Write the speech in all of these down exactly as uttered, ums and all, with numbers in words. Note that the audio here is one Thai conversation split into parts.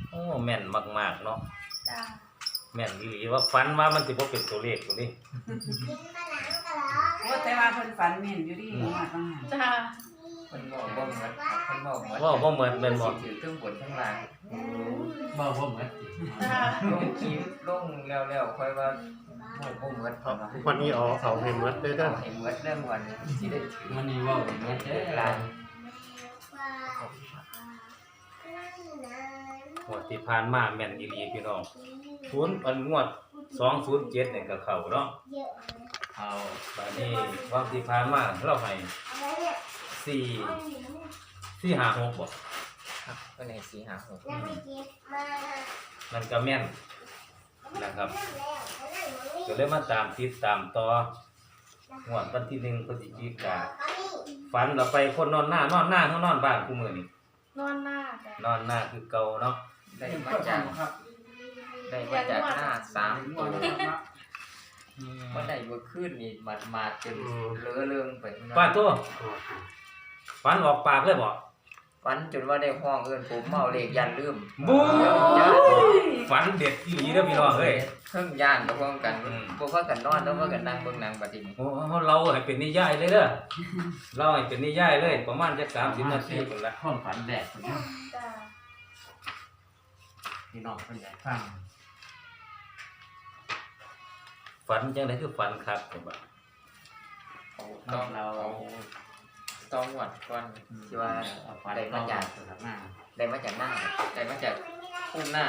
โอ้แม่นมากๆเนาะจ้าแม่นอีหลีว่าฝันว่ามันสิบ่เป็นตัวเลขตัวนี้โอ้แต่ว่าเพิ่นฝันแม่นอยู่ดิว่าต้องหันจ้ามันบอกบ่เหมือนเพิ่นบอกเหมือนว่าบ่เหมือนแม่นบ่ถือเครื่องบนข้างล่างบ่บ่เหมือนจ้าลงคลิปลงแล้วๆค่อยว่าบ่บ่เหมือนเพิ่นว่าวันนี้เอาเอาให้หมดเลยเด้อเอาให้เหมือนเรื่องวันสิได้ถือมันนี่เว้าเหมือนเด้อหลานงวดที่ผ่านมาแม่นอีหลีพี่น้องศูนย์อันงวดสองศูนย์เจ็ดนี่ก็เข้าเนาะเอาบัดนี้วันที่ผ่านมาเราให้สี่ สี่ห้าหกบ่ครับก็ในสี่ห้าหกมันก็แม่นนะครับก็เลยมาตามติดตามต่องวดวันที่หนึ่งพฤศจิกาฝันเราไปคนนอนหน้านอนหน้าเฮานอนบ้านกูมื้อนี้นอนหน้าจ้านอนหน้าคือเก่าเนาะได้มาจากได้มาจากหน้าสามตัวบ่ได้บ่ขึ้นนี่มามาจนเลอะเลืองไปป้าตัวฝันออกปากเลยบ่ฝันจนว่าได้ห้องเอิ้นผมเมาเลขยันลืมบู๊ฝันเด็ดอีหลีเด้อพี่น้องเอ้ยเครื่องย่านก็พร้อมกันอืมบ่ว่ากันนอนแล้วว่ากันนั่งเบิ่งหนังบัดนี้โอ้เราให้เป็นนิยายเลยเด้อเราให้เป็นนิยายเลยประมาณจักสามสิบนาทีพุ่นละความฝันแดกพุ่นเนาะจ้าพี่น้องเพิ่นอยากฟังฝันจังได๋คือฝันครับผมว่าต้องเราต้องหวัดก่อนที่ว่าเอาฝันได้มาจากสถานะได้มาจากหน้าได้มาจากพุ่มหน้า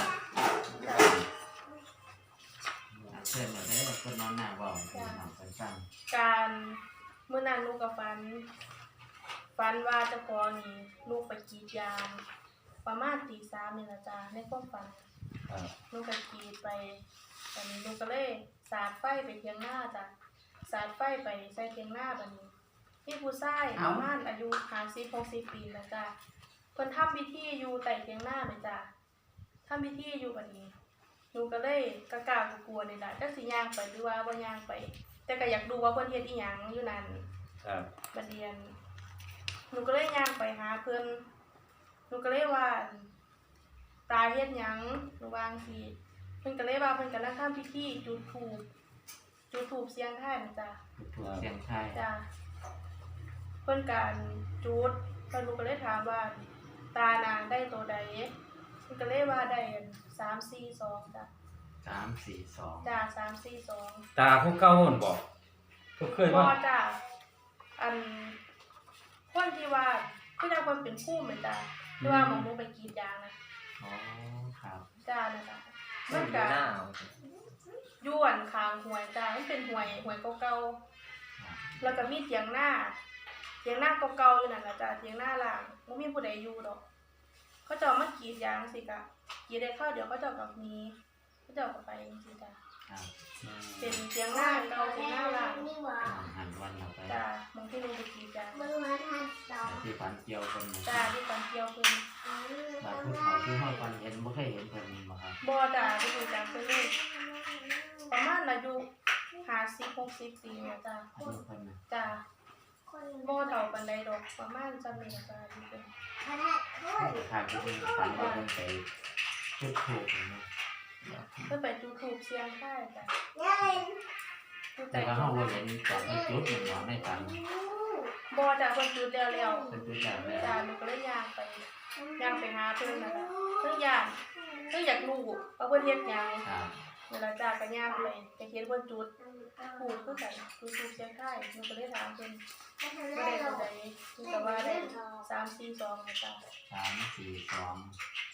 เชิญมาเด้อเพิ่นนอนหน้าเว้าให้พี่น้องเพิ่นฟังการเมื่อนั้นลูกกับฟันฟันว่าเจ้าของนี่ลูกไปกรีดยางประมาณตีสามนี่ละจ้าในความฝันครับลูกก็กรีดไปตอนนี้ลูกก็เลยสาดไฟไปเทียงหน้าจ้ะสาดไฟไปใส่เทียงหน้าบัดนี้ที่ผู้ชายประมาณอายุห้าสิบ หกสิบปีแล้วจ้ะเพิ่นทำพิธีอยู่ใต้เทียงหน้าเลยจ้ะทำพิธีอยู่บัดนี้หนูก็เลยกะกล้ากลัวๆนี่ล่ะจักสิย่างไปหรือว่าบ่ย่างไป แต่ก็อยากดูว่าเพิ่นเฮ็ดอีหยังอยู่นั่นครับบัดเรียนหนูก็เลยย่างไปหาเพิ่นหนูก็เลยว่าตาเฮ็ดหยังหนูวาจั่งซี้เพิ่นก็เลยว่าเพิ่นกำลังทำพิธีจุดธูปจุดธูปเสียงทายนะจ้ะถูกเสียงไทยจ้ะเพิ่นการจุดเพิ่นหนูก็เลยถามว่าตานางได้ตัวใดเพิ่นก็เลยว่าได้สาม สี่ สองจ้ะสาม สี่ สองจ้ะสาม สี่ สองตาผู้เก่าหั่นบ่ก็เคยบ่ว่าจ้ะอันคนที่ว่าคือจังเพิ่นเป็นผู้เหมือนจ้ะที่ว่าหมองหนูไปกรีดยางนะอ๋อครับจ้านะจ้ะมัมัน นอยู่ก็หน้าย้วนคางหวยจ้ามันเป็นหวยหวยเก่าๆแล้วก็มีเถียงหน้าเถียงหน้าเก่าๆอยู่นั่นล่ะจ้ะเถียงหน้าล่างบ่มีผู้ใดอยู่ดอก เขาเจ้ามากรีดยางสิกะกรีดได้ข้าวเดี๋ยวเขาเจ้ากับหนี้เขาเจ้าก็ไปจังซี่จ้ะครับเป็นเถียงหน้าเก่าเถียงหน้าล่างหันวันเราไปจ้ะบางที่หนูไปกรีดยางที่ฝันเกี่ยวกันจ้าที่ตอนเที่ยวเพิ่นบาดผู้เขาที่เฮาฝันเห็นบ่เคยเห็นเพิ่นบ่ครับบ่จ้ะบ่รู้จักเพิ่นเลยประมาณอายุห้าสิบ หกสิบปีเนี่ยจ้ะอายุเพิ่นน่ะจ้ะบ่เฒ่าปานใดดอกประมาณจำนี้จ้ะอยู่เพิ่นข้างที่ฝันว่าเพิ่นไปจุดธูปเนาะเพิ่นไปจุดธูปเสียงทายจ้ะอยู่แต่ใต้ว่าต้เฮาน บ่เห็นตอนเพิ่นจุดมันบ่ในฝันบ่จ้ะเพิ่นจุดแล้วแล้วเพิ่นจุดแล้วแล้วจ้ะหนูก็เลยย่างไปย่างไปหาเพิ่นน่ะจ้ะเพิ่นย่างเพิ่นอยากรู้ว่าเพิ่นเฮ็ดหยังครับเวลาจ้าก็ย่างไปไปเฮ็ดเพิ่นจุดธูปคือกันจุดธูปเสียงทายหนูก็เลยถามเพิ่นว่าได้เท่าใดเพิ่นก็ว่าได้สาม สี่ สองนะจ้ะสาม สี่ สอง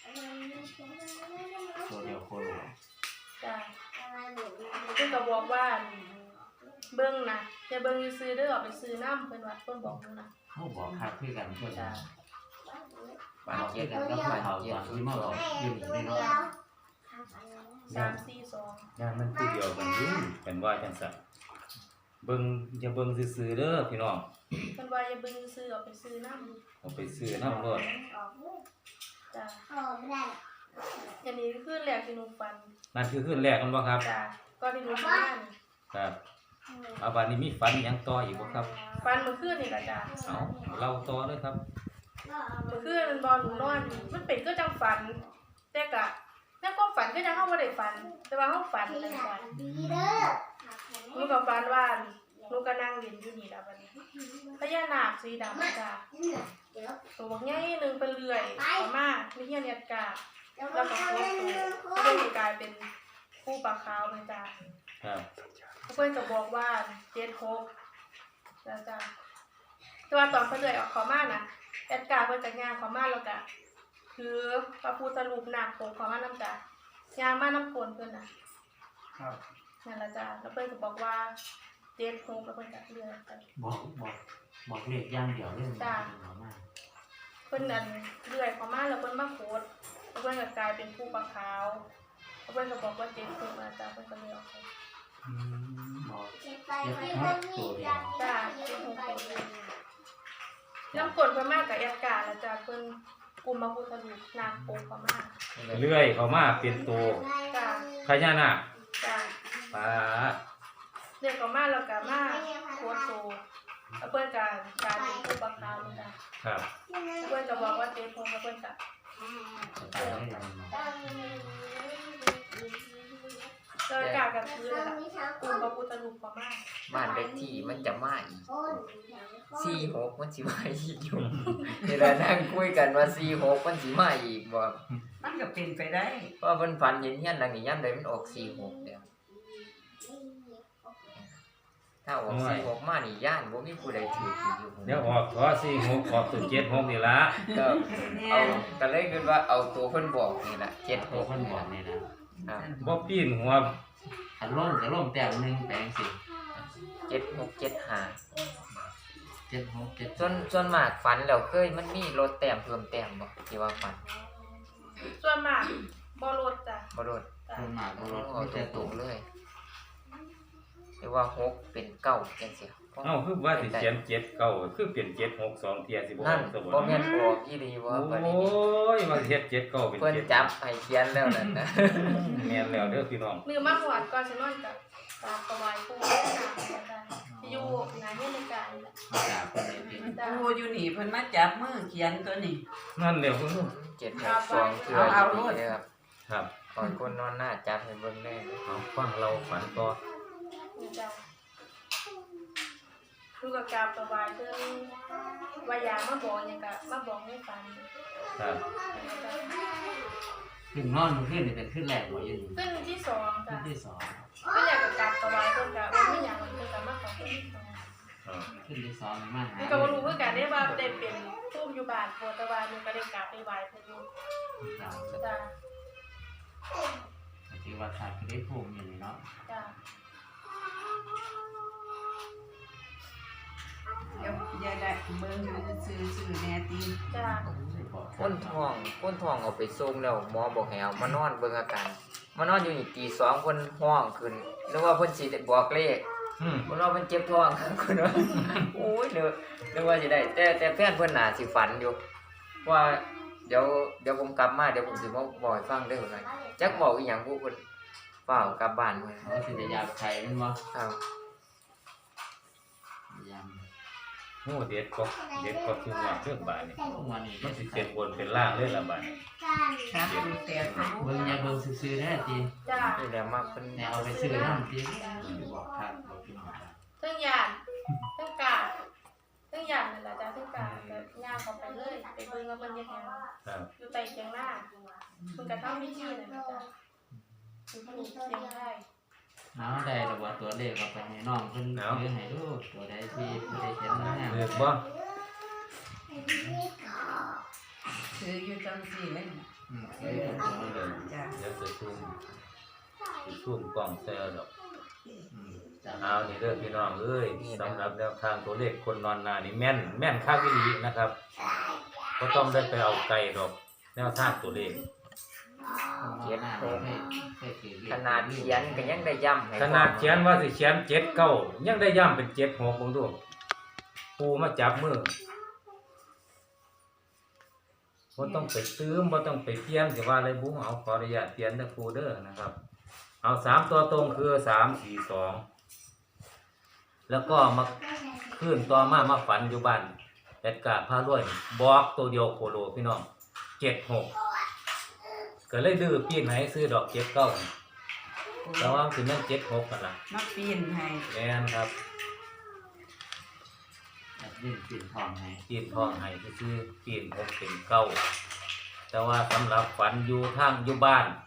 ตัวเดียวโคโลจ้ะเพิ่นก็บอกว่าเบิ่งนะอย่าเบิ่งซื่อๆเด้อเอาไปซื้อน้ำเพิ่นว่าเพิ่นบอกหนูนะเขาบอกคักคือกันเพิ่นจ้ะบาดบอกเจ็เจ็บดแล้แล้ว วก็ก็บาดเขาเจ็ตบอนที่มาบอกอยู่นี่เนาะสาม สี่ สองย่านมันผู้เดียวกันอยู่เป็นว่าจังซั่นเบิ่งอย่าเบิ่งซื่อๆเด้อพี่น้องเพิ่นว่าอย่าเบิ่งซื่อๆเอาไปซื้อน้ำเอาไปซื้อนำรถจ้ะอันนี้คือแรกที่หนูฝันนั่นคือคืนแรกกันบ่ครับจ้ะก่อนที่หนูทำงานนี่ครับเอาบัดนี้มีฝันหยังต่ออีกบ่ครับฝันเมื่อคืนนี่ล่ะจ้ะเอาเล่าต่อเลยครับเมื่อคืนมันบ่หนูนอนมันเป็นคือจังฝัน แแต่ก็ในความฝันก็ยังเฮาบ่ได้ฝันแต่ว่าเฮาฝันจังซั่นหนูก็ฝันว่าหนูก็นั่งเล่นอยู่นี่ล่ะบัดนี้พญานาคสีดำจ้ะตัวบักใหญ่หนึงเป็นเลื่อยเข้ามามีเฮียนเนียดกาแล้วก็โคตรตัวก็เลยกลายเป็นผู้ปลาขาวเลยจ้ะครับเพิ่นก็บอกว่าเจ็ดหกแล้วจ้ะแต่ว่าตอนเพิ่นเลื่อยออกเข้ามาน่ะแอดการ์เพิ่นก็ย่างเข้ามาแล้วก็คือพระพุทธรูปนาคปกเข้ามานำจ้ะย่างมานำคนเพิ่นน่ะครับนั่นล่ะจ้ะแล้วเพิ่นก็บอกว่าเจ็ดหกแล้วเพิ่นก็เลื่อยไปบอกบอกบอกเลขอย่างเดียวเลยจ้ะบอกมาเพิ่นนั่นเลื่อยเข้ามาแล้วเพิ่นมาโคตรแล้วเพิ่นก็กลายเป็นผู้ปลาขาวแล้วเพิ่นก็บอกว่าเจ็ดหกนะจ้ะเพิ่นก็เลยออกไปอืมบอกเจ็ดหกตัวเดียวจ้ะเจ็ดหกตัวเดียวน้ำกดเพิ่นมากับแอดการ์แล้วจ้ะเพิ่นกลุ่มพระพุทธรูปนาคปกเข้ามาเลื่อยเข้ามาเป็นตัวจ้ะพญานาคจ้ะปาดเรียกเขามาแล้วก็มาโคตรโตแล้วเพื่อนก็กลายเป็นผู้ประคาวเลยจ้ะครับเพื่อนก็บอกว่าเจ๊พงแล้วเพื่อนก็ตายได้ยังไงเลยกลายกับพื้นแล้วกลุ่มพระพุทธรูปประมาณบ้านเลขที่มันจะมาอีกสี่หกมันสิมาอีกอยู่เวลานั่งคุยกันว่าสี่หกมันสิมาอีกบ่มันก็เป็นไปได้เพราะเพิ่นฝันเห็นเฮียนหลังนี้ยามใดมันออกสี่หกแล้วถ้าออกสี่หกมานี่ย่านบ่มีผู้ใดถืออีกอยู่เดี๋ยวออกขอสี่หกออกตัวเจ็ดหกนี่ละก็เอาก็เลยคิดว่าเอาตัวเพิ่นบอกนี่ล่ะเจ็ดหตัวกคนบอกเนี่ยนะครับบ่ปีนหัวถ้าล่มจะล่มแต้มหนึ่งแปลงสิเจ็ดหกเจ็ดห้าเจ็ดหกเจ็ดส่วนส่วนมากฝันแล้วเคยมันมีลดแต้มเพิ่มแต้มบ่ที่ว่าฝันส่วนมากบ่ลดจ้ะบ่ลดจ้ะคนหมากบรถเอาไม่ตใช่รตัวงๆเลยหรือว่าหกเป็นเก้าจังซี่เอ้าคือว่าสิเขียนเจ็ดเก้าคือเปลี่ยนเจ็ดหกสองเทียสิบ่อนั่อน กซะบ่บ่แม่นออกอีหลีบ่โอบัดนี้้ยว่าสิเฮ็ดเจ็ดเก้าเป็นเพิ่นเจ็ดจับให้เขียนแล้วนั่นนะแม่นแล้วเด้อพี่น้องมือมาหวดก่อนสินอนกับตาประวายผู้จ้ะที่อยู่งานเฮ็ดรายการนี่แหละจากคนไหนเป็นจ้ะครูอยู่นี่เพิ่นมาจับมือเขียนตัวนี้นั่นเดี๋ยวเพิ่นเจ็ดหกสองเทื่อเอาอยู่เอานี่ครับครับก่อนคนนอนหน้าจับให้เบิ่งได้เลยเอาฟังเราฝันต่อนี่จ้ะลูกกับกราบประวายเพิ่นว่าอยากมาบอกหยังก็มาบอกให้ฟังครับขึ้นนอนขึ้นนี่เป็นขึ้นแรกหัวอยู่นี่ขึ้นที่สองขึ้จ้ะนที่สองก็อยากกับกราบประวายเพิ่นก็ว่าไม่อยากมันเพิ่นก็มาขอเพิ่นที่สองอ่าขึ้นที่สองมาหานี่ก็บ่รู้คือกันได้ว่าได้เป็นผู้อยู่บ้านโพแต่ว่าหนูก็ได้กราบไปไหว้เพิ่นอยู่เราจ้ะถือว่าขาดก็ได้ภูมิอยู่นี่เนาะจ้ะเดี๋ยวอย่าได้เบิ่งอยู่ซื่อๆซื่อแน่ตีจ้ะคนท้องคนท้องเอาไปส่งแล้วหมอบอกให้เอามานอนเบิ่งอาการมานอนอยู่นี่ตีสองเพิ่นห้องขึ้นหรือว่าเพิ่นสิได้บอกเลขอืมเพิ่นว่าเพิ่นเจ็บท้อง คุณว่าโอ้ยเด้อนึกว่าสิได้แต่แต่แฟนเพิ่นน่ะสิฝันอยู่ว่าเดี๋ยวเดี๋ยวผมกลับมาเดี๋ยวผมสิมาบอกให้ฟังเด้อว่าจักบอกอีหยังผู้เพิ่นเปล่ากลับบ้านเพิ่นเขาสิจะยาไข่เป็นวะครับยามโอ้เด็ดก็เด็ดก็คือว่าเรื่องบาดนี่วันนี้มันสิเป็นบนเป็นล่างเลยละบาดนี่ครับดูแต่เขาเบิ่งยาเบิ่งซื่อๆแน่ตีจ้ะนี่แหละมาเพิ่นเนี่ยเอาไปซื้อน้ำตีบอกครับบอกพี่น้องเทั้งยานเทั้งกาดเทั้งยานนั่นล่ะจ้ะเทั้งกาดก็ย่างเข้าไปเลยไปเบิ่งว่าเพิ่นเฮ็ดหยังครับอยู่ใต้เตียงหน้าเพิ่นก็ทำพิธีนั่นน่ะจ้ะอยู่ที่เตียงไทยเอาได้หรือว่าตัวเลขเอาไปให้น้องเพิ่นซื้อให้ดูตัวใดที่บ่ได้เขียนมาแน่เลือกบ่ถืออยู่จังซี่เลยอืมเลือกตัวเลยจ้ะเดี๋ยวจะซูมสิซูมกล้องใส่เอาดอกอืมจ้ะเอานี่เด้อพี่น้องเอ้ยสำหรับแนวทางตัวเลขคนนอนนานี่แม่นแม่นคักอีหลีนะครับก็ต้องได้ไปเอาไก่ดอกแนวทางตัวเลขเขียนให้ให้ให้ถือเลขขนาดเขียนก็ยังได้ย้ำให้ขนาดเขียนว่าสิเขียนเจ็ดเก้ายังได้ย้ำเป็นเจ็ดหกเบิ่งดูปูมาจับมือบ่ต้องไปซื้อบ่ต้องไปเปลี่ยนสิว่าอะไรบุ้งเอาขออนุญาตเปลี่ยนเด้อครูเด้อนะครับ เอาสามตัวตรงคือสามสี่สองแล้วก็มาขึ้นต่อมามาฝันอยู่บ้านแอดการ์พารวยบอกตัวเดียวโคโลพี่น้องเจ็ดหกก็เลยดื้อปีนให้ซื้อดอกเจ็ดเก้าแต่ว่าสิแม่นเจ็ดหกกันล่ะมาปีนให้แม่นครับแอดมินปิดทองให้ปีนทองให้ซื้อปีนหกเป็นเก้าแต่ว่าสำหรับฝันอยู่ทางอยู่บ้าน